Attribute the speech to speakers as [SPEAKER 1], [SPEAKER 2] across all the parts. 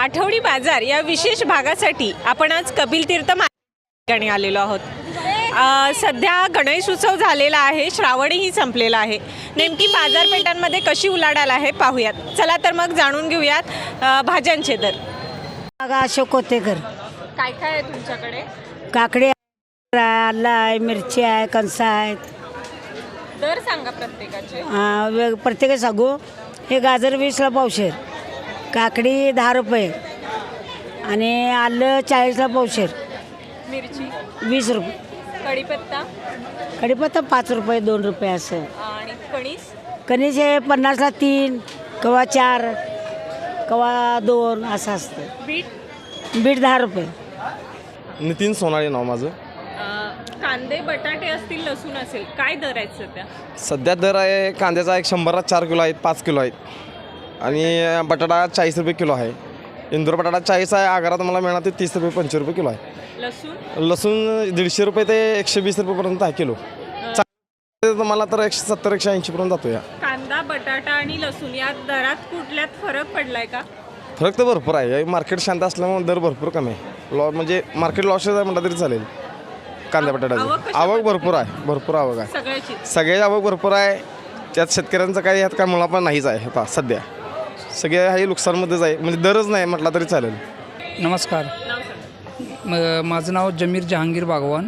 [SPEAKER 1] आठवडी बाजार या विशेष भागासाठी आपण आज कपिल तीर्थ ठिकाणी आलेलो आहोत। सध्या गणेश उत्सव झालेला आहे, श्रावणही संपलेला आहे। नेमकी बाजारपेठांमध्ये कशी उलाढाल आहे पाहूयात। चला तर मग जाणून घेऊयात भाज्यांचे दर।
[SPEAKER 2] अशोक कोतेकर।
[SPEAKER 1] काय काय आहे तुमच्याकडे?
[SPEAKER 2] काकडी आलं आहे, मिरची आहे, कणसा आहेत।
[SPEAKER 1] दर सांगा प्रत्येकाचे।
[SPEAKER 2] प्रत्येक सांगू। हे गाजर 20ला पावशेर, काकडी 10 रुपये आणि आलं 40ला पावशेर,
[SPEAKER 1] मिरची
[SPEAKER 2] 20 रुपये, कढीपत्ता 5 रुपये 2 रुपये असं।
[SPEAKER 1] आणि
[SPEAKER 2] कणीस हे 50ला 3, कवा 4, कवा 2 असं असतं। बीट 10 रुपये।
[SPEAKER 3] नितीन सोनाळे नाव माझं।
[SPEAKER 1] कांदे बटाटे असतील, लसूण असेल, काय दर आहेत सध्या?
[SPEAKER 3] सध्या दर आहे कांद्याचा 100ला 4 किलो आहेत, 5 किलो आहेत आणि बटाटा 40 रुपये किलो आहे। इंदूर बटाटा 40 आहे, आगारात मला मिळणार ते 30 रुपये 25 रुपये किलो आहे। लसूण 150 रुपये ते 120 रुपयेपर्यंत आहे किलो। मला तर 170 180 पर्यंत जातो। या
[SPEAKER 1] कांदा बटाटा आणि लसूण या दरात कुठल्यात फरक पडलाय का?
[SPEAKER 3] फरक तर भरपूर आहे। मार्केट शांत असल्यामुळे दर भरपूर कमी आहे। म्हणजे मार्केट लॉसेस आहे म्हटलं तरी चालेल। कांदा बटाट्याची आवक भरपूर आहे, भरपूर आवक आहे सगळ्याची आवक भरपूर आहे। त्यात शेतकऱ्यांचं काही ह्यात काय मुळा पण नाहीच आहे। आता सध्या सगळे हे नुकसानमध्येच आहे, म्हणजे दरच नाही म्हटला तरी चालेल।
[SPEAKER 4] नमस्कार, माझं नाव जमीर जहांगीर बागवान।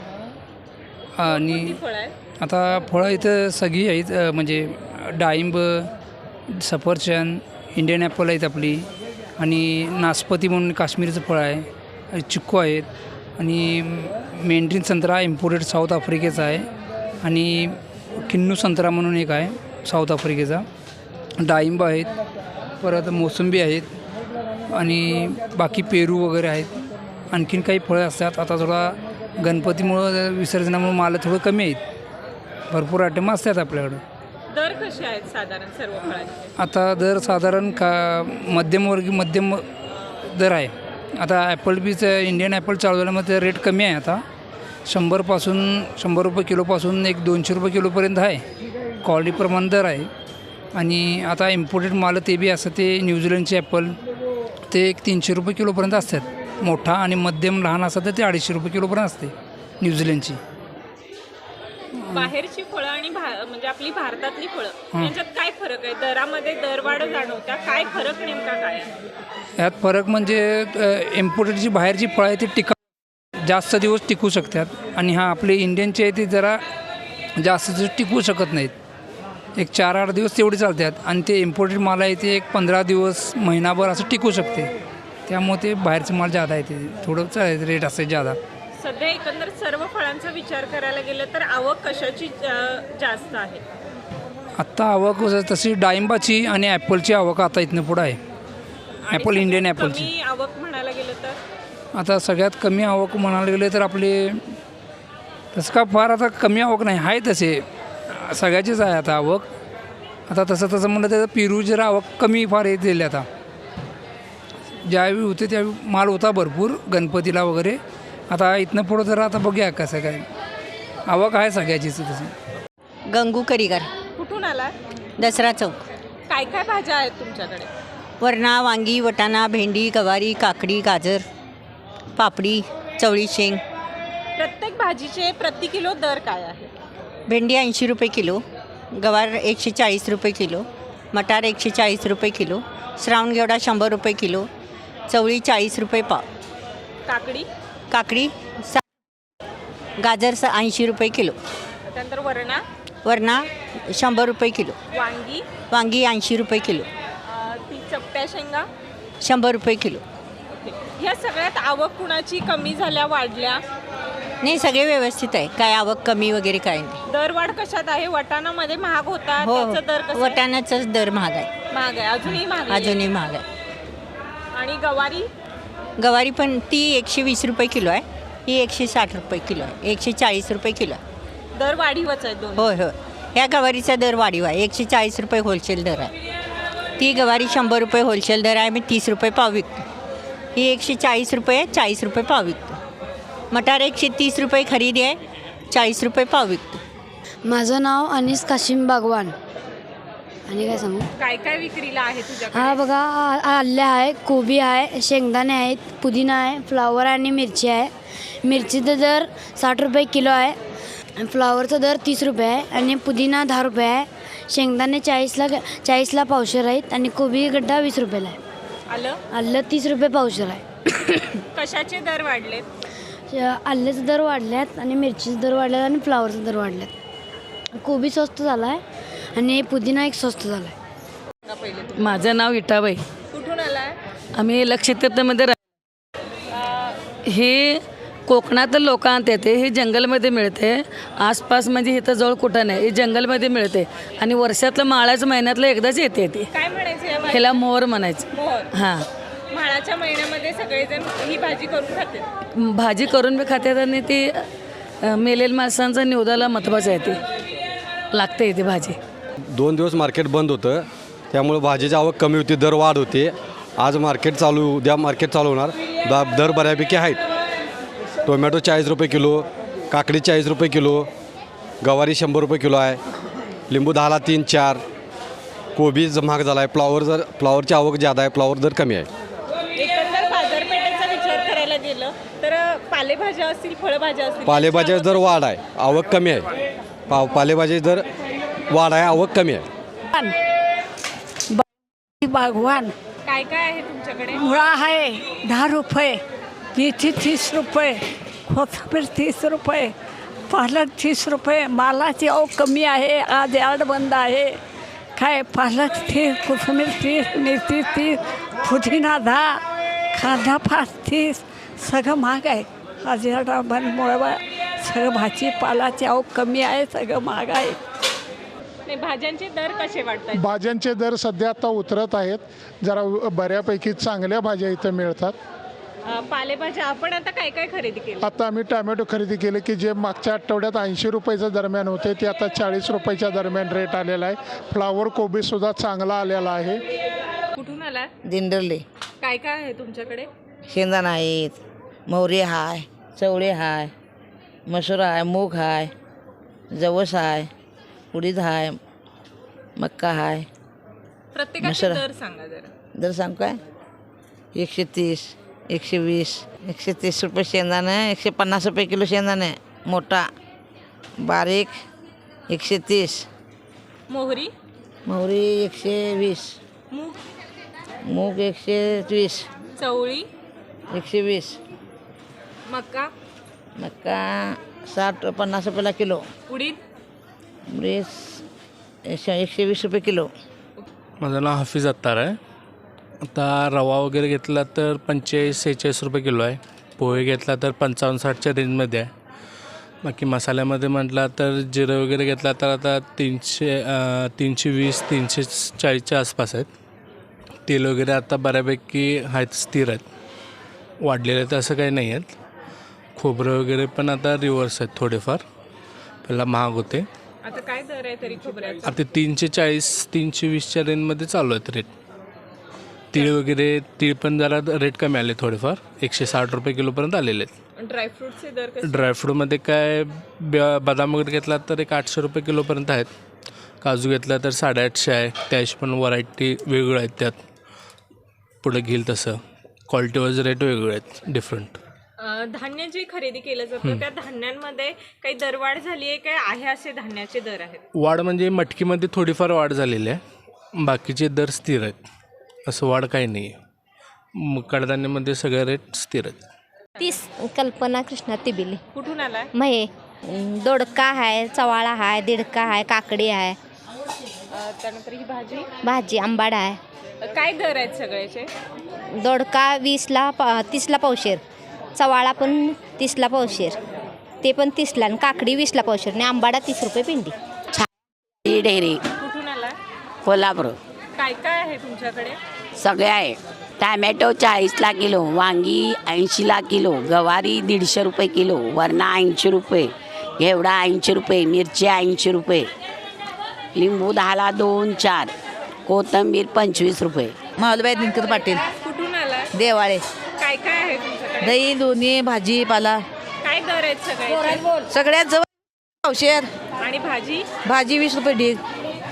[SPEAKER 4] आणि आता फळं इथं सगळी आहेत, म्हणजे डाळिंब, सफरचंद, इंडियन ॲपल आहेत आपली, आणि नासपती म्हणून काश्मीरचं फळ आहे, चिक्कू आहेत, आणि मेंढरीन संत्रा इम्पोर्टेड साऊथ आफ्रिकेचा आहे, आणि किन्नू संत्रा म्हणून एक आहे साऊथ आफ्रिकेचा। डाळिंब आहेत, परत मोसंबी आहेत, आणि बाकी पेरू वगैरे आहेत। आणखीन काही फळं असतात। आता थोडा गणपतीमुळं विसर्जनामुळे माल थोडं कमी आहेत, भरपूर आयटम असतात आपल्याकडं।
[SPEAKER 1] दर कसे आहेत साधारण सर्व फळांचे?
[SPEAKER 4] आता दर साधारण मध्यम दर आहे। आता ॲपल बीचं इंडियन ॲपल चालू झाल्यामध्ये रेट कमी आहे। आता 100 रुपये किलोपासून 200 रुपये किलोपर्यंत आहे, क्वालिटीप्रमाणे दर आहे। आणि आता इम्पोर्टेड माल ते बी असं ते न्यूझीलंडचे ॲपल ते 300 रुपये किलोपर्यंत असतात। मोठा आणि मध्यम लहान असतात तर ते 250 रुपये किलोपर्यंत असते न्यूझीलंडची।
[SPEAKER 1] बाहेरची फळं आणि म्हणजे आपली भारतातली फळं यांच्यात काय फरक आहे? दरामध्ये दरवाढ जाणवत्या, काय फरक नेमका काय आहे?
[SPEAKER 4] यात फरक म्हणजे इम्पोर्टेडची बाहेरची फळं आहे ती जास्त दिवस टिकू शकतात, आणि आपले इंडियनचे आहे ते जरा जास्त दिवस टिकू शकत नाहीत। एक 4-8 दिवस तेवढे चालतात, आणि ते इम्पोर्टेड माल आहे ते एक 15 दिवस महिनाभर असं टिकू शकते। त्यामुळे ते बाहेरचं माल जादा आहे, ते थोडं चालेल रेट असते जादा।
[SPEAKER 1] सध्या एकंदर सर्व फळांचा विचार करायला गेलं तर आवक कशाची जास्त आहे?
[SPEAKER 4] आत्ता आवक तशी डाळिंबाची आणि ॲपलची आवक आता इथनं पुढं आहे। ॲपल इंडियन ॲपलची
[SPEAKER 1] आवक म्हणायला गेलं तर
[SPEAKER 4] आता सगळ्यात कमी आवक म्हणायला गेलं तर आपले तसं का फार आता कमी आवक नाही आहे, तसे सगळ्याचीच आहे आता आवक। आता तसं म्हणलं तर पेरू जरा आवक कमी फार येत गेली। आता ज्यावेळी होते त्यावेळी माल होता भरपूर गणपतीला वगैरे। आता इथनं पुढं जरा आता बघूया कसं काय आवक आहे सगळ्याचीच तसं।
[SPEAKER 5] गंगू करीगर।
[SPEAKER 1] कुठून आला?
[SPEAKER 5] दसरा चौक।
[SPEAKER 1] काय काय भाज्या आहेत तुमच्याकडे?
[SPEAKER 5] वरणा, वांगी, वटाणा, भेंडी, गवारी, काकडी, गाजर, पापडी, चवळी शेंग।
[SPEAKER 1] प्रत्येक भाजीचे प्रति किलो दर काय आहे?
[SPEAKER 5] भेंडी 80 रुपये किलो, गवार 140 रुपये किलो, मटार 140 रुपये किलो, श्रावणगेवडा 100 रुपये किलो, चवळी 40 रुपये पाव, काकडी गाजर 80 रुपये किलो,
[SPEAKER 1] त्यानंतर
[SPEAKER 5] वरणा 100 रुपये किलो, वांगी 80 रुपये किलो,
[SPEAKER 1] चपट्या शेंगा
[SPEAKER 5] 100 रुपये किलो।
[SPEAKER 1] ह्या सगळ्यात आवक कुणाची कमी झाल्या, वाढल्या?
[SPEAKER 5] नाही, सगळे व्यवस्थित आहे, काय आवक कमी वगैरे काय नाही।
[SPEAKER 1] दरवाढ कशात आहे? वटाणामध्ये महाग होता,
[SPEAKER 5] हो,
[SPEAKER 1] त्याचा दर कसा आहे?
[SPEAKER 5] वटाण्याचाच दर महाग आहे।
[SPEAKER 1] अजूनही महाग
[SPEAKER 5] आहे।
[SPEAKER 1] आणि
[SPEAKER 5] गवारी पण ती 120 रुपये किलो आहे, ही 160 रुपये किलो आहे, 140 रुपये किलो आहे।
[SPEAKER 1] दर वाढीवच आहे दोन?
[SPEAKER 5] होय, ह्या गवारीचा दर वाढीव आहे। 140 रुपये होलसेल दर आहे। ती गवारी 100 रुपये होलसेल दर आहे, मी 30 रुपये पाव विकतो। ही 140 रुपये 40 रुपये पाव विकतो। मटार 130 रुपये खरेदी आहे, 40 रुपये पाव विकतो।
[SPEAKER 6] माझं नाव अनीस काशिम बागवान। आणि काय सांगू?
[SPEAKER 1] काय काय विक्रीला आहे तुझ्याकडे?
[SPEAKER 6] हा बघा, आले आहे, कोबी आहे, शेंगदाणे आहेत, पुदिना आहे, फ्लावर आणि मिरची आहे. मिरचीचा दर 60 रुपये किलो आहे आणि फ्लावरचा दर 30 रुपये आहे आणि पुदिना 10 रुपये आहे. शेंगदाणे 40ला पावशेर आहेत आणि कोबी गड्डा 20 रुपयाला आहे. आलं 30 रुपये पावशेर आहे.
[SPEAKER 1] कशाचे दर वाढलेत?
[SPEAKER 6] आल्याचे दर वाढल्यात आणि मिरचीचे दर वाढल्यात आणि फ्लावरचे दर वाढल्यात. कोबी स्वस्त झाला आहे आणि पुदिना एक स्वस्त झाला आहे.
[SPEAKER 7] माझं नाव इटाबाई.
[SPEAKER 1] कुठून आलाय?
[SPEAKER 7] आम्ही लक्षतीर्थमध्ये हे कोकणातील लोक आणतात. हे जंगलमध्ये मिळते. आसपास म्हणजे इथं जवळ कुठं नाही, हे जंगलमध्ये मिळते आणि वर्षातलं माळाचं महिन्यातलं एकदाच येते ती.
[SPEAKER 1] काय म्हणायचं या
[SPEAKER 7] ह्याला मोहर म्हणायचं.
[SPEAKER 1] मोहर.
[SPEAKER 7] हां,
[SPEAKER 1] माळाच्या महिन्यामध्ये सगळेजण ही भाजी करून खातात.
[SPEAKER 7] भाजी करून बी खातात आणि ती मेलेल माणसांचा निवदाला महत्त्वाचं आहे. ती लागते ती भाजी.
[SPEAKER 8] 2 दिवस मार्केट बंद होतं, त्यामुळे भाजीची आवक कमी होती, दर वाढ होते. आज मार्केट चालू, उद्या मार्केट चालू होणार. दर बऱ्यापैकी आहेत. टोमॅटो 40 रुपये किलो, काकडी 40 रुपये किलो, गवारी 100 रुपये किलो आहे, लिंबू 10ला 3-4, कोबी महाग झाला आहे. फ्लावरची आवक जादा आहे, फ्लावर दर कमी आहे.
[SPEAKER 1] एकंदर बाजारपेठेचा विचार करायला गेलं तर पालेभाज्या असतील, फळभाज्या असतील,
[SPEAKER 8] पालेभाज्याचा दर वाढ आहे, आवक कमी आहे. पालेभाज्याचा दर वाढ आहे, आवक कमी आहे.
[SPEAKER 2] बागवान
[SPEAKER 1] काय काय आहे तुमच्याकडे?
[SPEAKER 2] मुळा आहे 10 रुपये, मेथी 30 रुपये, कोथिंबीर 30 रुपये, पालक 30 रुपये. मालाची आवक कमी आहे, आज यार्ड बंद आहे. काय पालक 30, कोथिंबीर 30, मेथी 30, पुदिना 10, कांदा 30, सगळं महाग आहे. आज यार्ड बंदमुळे सगळं भाजीपालाची आवक कमी आहे, सगळं महाग आहे.
[SPEAKER 1] नाही, भाज्यांचे दर कसे वाटतात?
[SPEAKER 9] भाज्यांचे दर सध्या आता उतरत आहेत. जरा बऱ्यापैकी चांगल्या भाज्या इथं मिळतात.
[SPEAKER 1] पालेभाज्या आपण आता काय काय खरेदी केली?
[SPEAKER 9] आता आम्ही टॅमॅटो खरेदी केले की जे मागच्या आठवड्यात 80 रुपयाच्या दरम्यान होते ते आता 40 रुपयाच्या दरम्यान रेट आलेला आहे. फ्लावर कोबीसुद्धा चांगला आलेला आहे.
[SPEAKER 1] कुठून आला?
[SPEAKER 10] दिंडरले.
[SPEAKER 1] काय काय आहे तुमच्याकडे?
[SPEAKER 10] शेंगदाणा आहेत, मोहरी हाय, चवळे हाय, मसूर आहे, मूग हाय, जवस आहे, उडीद हाय, मक्का हाय.
[SPEAKER 1] प्रत्येकाचे
[SPEAKER 10] मसाला.
[SPEAKER 1] दर सांगा जरा.
[SPEAKER 10] दर सांग काय? 130, 120, 130 रुपये शेंगदाणे, 150 रुपये किलो शेंगदाणे, मोठा बारीक 130,
[SPEAKER 1] मोहरी,
[SPEAKER 10] मोहरी 120, मूग 120,
[SPEAKER 1] चवळी,
[SPEAKER 10] 120,
[SPEAKER 1] मका,
[SPEAKER 10] मक्का 50 रुपयाला किलो,
[SPEAKER 1] उडीद,
[SPEAKER 10] 120 रुपये किलो.
[SPEAKER 11] माझं नाव हाफिज अत्तार आहे. आता रवा वगैरे घेतला तर 45-46 रुपये किलो आहे. पोहे घेतला तर 55-60च्या रेंजमध्ये आहे. बाकी मसाल्यामध्ये म्हटला तर जिरं वगैरे घेतला तर आता 320-340च्या आसपास आहेत. तेल वगैरे आता बऱ्यापैकी आहेत, स्थिर आहेत, वाढलेले तर असं काही नाही आहेत. खोबरं वगैरे पण आता रिव्हर्स आहेत थोडेफार, पहिला महाग होते.
[SPEAKER 1] आता काय दर आहे तरी खोबऱ्याचा?
[SPEAKER 11] आता 340-320च्या रेंजमध्ये चालू आहेत रेट. तीळ पण जरा रेट कमी आले थोडेफार, 160 रुपये किलोपर्यंत आलेले आहेत.
[SPEAKER 1] ड्रायफ्रूटचे दर कसे?
[SPEAKER 11] ड्रायफ्रूटमध्ये काय बदाम वगैरे घेतला तर 800 रुपये किलोपर्यंत आहेत. काजू घेतला तर 850 आहे. त्याशी पण व्हरायटी वेगळं आहेत, त्यात पुढे घेईल तसं क्वालिटीवाईज रेट वेगळे आहेत, डिफरंट.
[SPEAKER 1] धान्य जे खरेदी केलं जातं त्या धान्यांमध्ये काही दरवाढ झाली आहे काय आहे असे धान्याचे दर आहेत?
[SPEAKER 11] वाढ म्हणजे मटकीमध्ये थोडीफार वाढ झालेली आहे, बाकीचे दर स्थिर आहेत, असं वाढ काही नाही आहे. कडधान्यामध्ये सगळे रेट स्थिर आहेत.
[SPEAKER 12] 30 कल्पना कृष्णा तिबिली.
[SPEAKER 1] कुठून आलाय?
[SPEAKER 12] महे दोडका आहे, चवाळा आहे, दिडका आहे, काकडी आहे,
[SPEAKER 1] त्यानंतर ही भाजी
[SPEAKER 12] भाजी आंबाडा आहे.
[SPEAKER 1] काय दर आहेत सगळ्याचे?
[SPEAKER 12] दोडका 30ला पावशेर, चवाळा पण 30ला पावशेर, ते पण 30ला, आणि काकडी 20ला पावशेर, आणि आंबाडा 30 रुपये पिंडी.
[SPEAKER 2] डेअरी
[SPEAKER 1] कुठून आलाय?
[SPEAKER 2] कोल्हापूर.
[SPEAKER 1] काय काय आहे तुमच्याकडे?
[SPEAKER 2] सगळे आहे. टॅमॅटो 40ला किलो, वांगी 80ला किलो, गवारी 150 रुपये किलो, वरणा 80 रुपये, घेवडा 80 रुपये, मिरची 80 रुपये, लिंबू 10ला 2-4, कोथिंबीर 25 रुपये.
[SPEAKER 10] माऊलीबाई दिनकर पाटील.
[SPEAKER 1] कुठून आलाय?
[SPEAKER 10] देवाळे.
[SPEAKER 1] काय काय आहे तुमच्याकडे?
[SPEAKER 10] दही, दोन्ही, भाजीपाला
[SPEAKER 1] काय दर आहेत सगळ्याचे?
[SPEAKER 10] सगळ्यात जवळ पावशेर.
[SPEAKER 1] आणि भाजी?
[SPEAKER 10] भाजी 20 रुपये ढीग.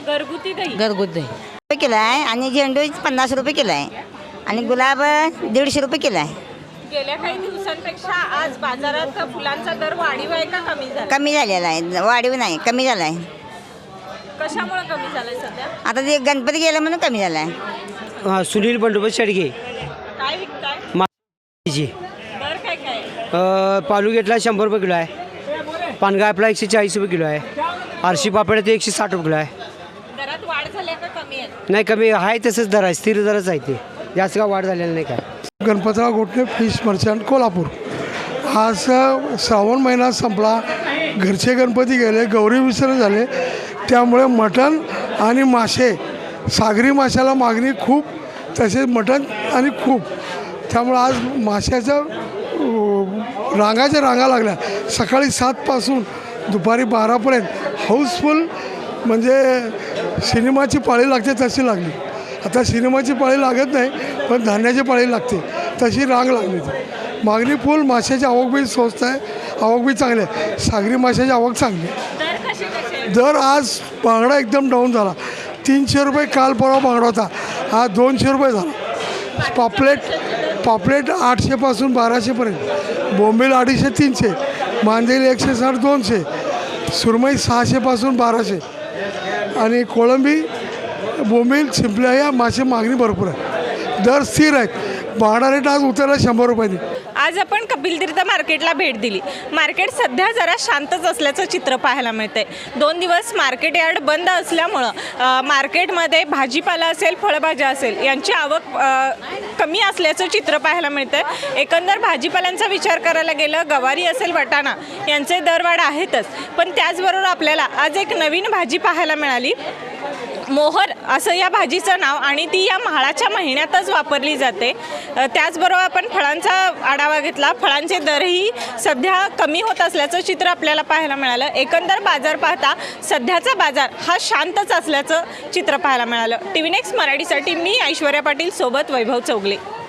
[SPEAKER 1] घरगुती दही
[SPEAKER 10] घरगुती
[SPEAKER 5] रुपये किलो आहे आणि झेंडू 50 रुपये किलो आहे आणि गुलाब 150 रुपये किलो आहे.
[SPEAKER 1] गेल्या काही दिवसांपेक्षा आज बाजारात फुलांचा दर वाढीव आहे का कमी झाला?
[SPEAKER 5] कमी झालेला आहे, वाढीव नाही, कमी झाला आहे.
[SPEAKER 1] कशामुळे कमी झालंय सध्या?
[SPEAKER 5] आता ते गणपती गेलं म्हणून कमी झाला आहे.
[SPEAKER 13] सुनील बंडोबत शेडगे
[SPEAKER 1] काय विकताय?
[SPEAKER 13] माची
[SPEAKER 1] दर काय काय?
[SPEAKER 13] पालुगेटला 100 रुपये किलो आहे. पानगा आपला 140 रुपये किलो आहे. आरशी पापड ते 160 रुपये किलो आहे.
[SPEAKER 1] दरात वाढ झाली का कमी आहे?
[SPEAKER 13] नाही कमी आहे तसंच दर आहे, स्थिर दरच आहे ते, जास्त का वाढ झालेला नाही काय.
[SPEAKER 9] Ganpatrao Gotne fish merchant Kolhapur. आज श्रावण महिना संपला, घरचे गणपती गेले, गौरी विसर्जन झाले, त्यामुळे मटण आणि मासे, सागरी माशाला मागणी खूप, तसेच मटण आणि खूप, त्यामुळे आज माशाच्या रांगाच्या रांगा लागल्या. सकाळी 7पासून दुपारी 12पर्यंत हाऊसफुल, म्हणजे सिनेमाची पाळी लागते तशी लागली. आता सिनेमाची पाळी लागत नाही, पण धान्याची पाळी लागते, तशी रांग लागली. ती मागणी फुल. माशाची आवक बी स्वस्त आहे, आवक बी चांगली आहे. सागरी माशाची आवक चांगली आहे. दर आज बांगडा एकदम डाऊन झाला. 300 रुपये काल परवा बांगडा होता, हा 200 रुपये झाला. पापलेट 800पासून 1200पर्यंत, बोंबील 250-300, मांदेली 160-200, सुरमई 600पासून 1200 आणि कोळंबी, बोंबील, शिंपल्या या मासे मागणी भरपूर आहे. दर स्थिर आहेत. बांगडा रेट आज उतरला 100 रुपयांनी.
[SPEAKER 1] आज आपण कपिल तीर्थ मार्केटला भेट दिली. मार्केट सध्या जरा शांतच असल्याचं चित्र पाहायला मिळतंय. 2 दिवस मार्केट यार्ड बंद असल्यामुळं मार्केटमध्ये भाजीपाला असेल, फळभाज्या असेल यांची आवक कमी असल्याचं चित्र पाहायला मिळतंय. एकंदर भाजीपाल्यांचा विचार करायला गेलं, गवारी असेल, वाटाणा यांचे दरवाढ आहेतच, पण त्याचबरोबर आपल्याला आज एक नवीन भाजी पाहायला मिळाली. मोहर असं या भाजीचं नाव, आणि ती या म्हाळाच्या महिन्यातच वापरली जाते. त्याचबरोबर आपण फळांचा आढावा घेतला. फळांचे दरही सध्या कमी होत असल्याचं चित्र आपल्याला पाहायला मिळालं. एकंदर बाजार पाहता सध्याचा बाजार हा शांतच असल्याचं चित्र पाहायला मिळालं. TV नेक्स्ट मराठीसाठी मी ऐश्वर्या पाटील सोबत वैभव चौगले.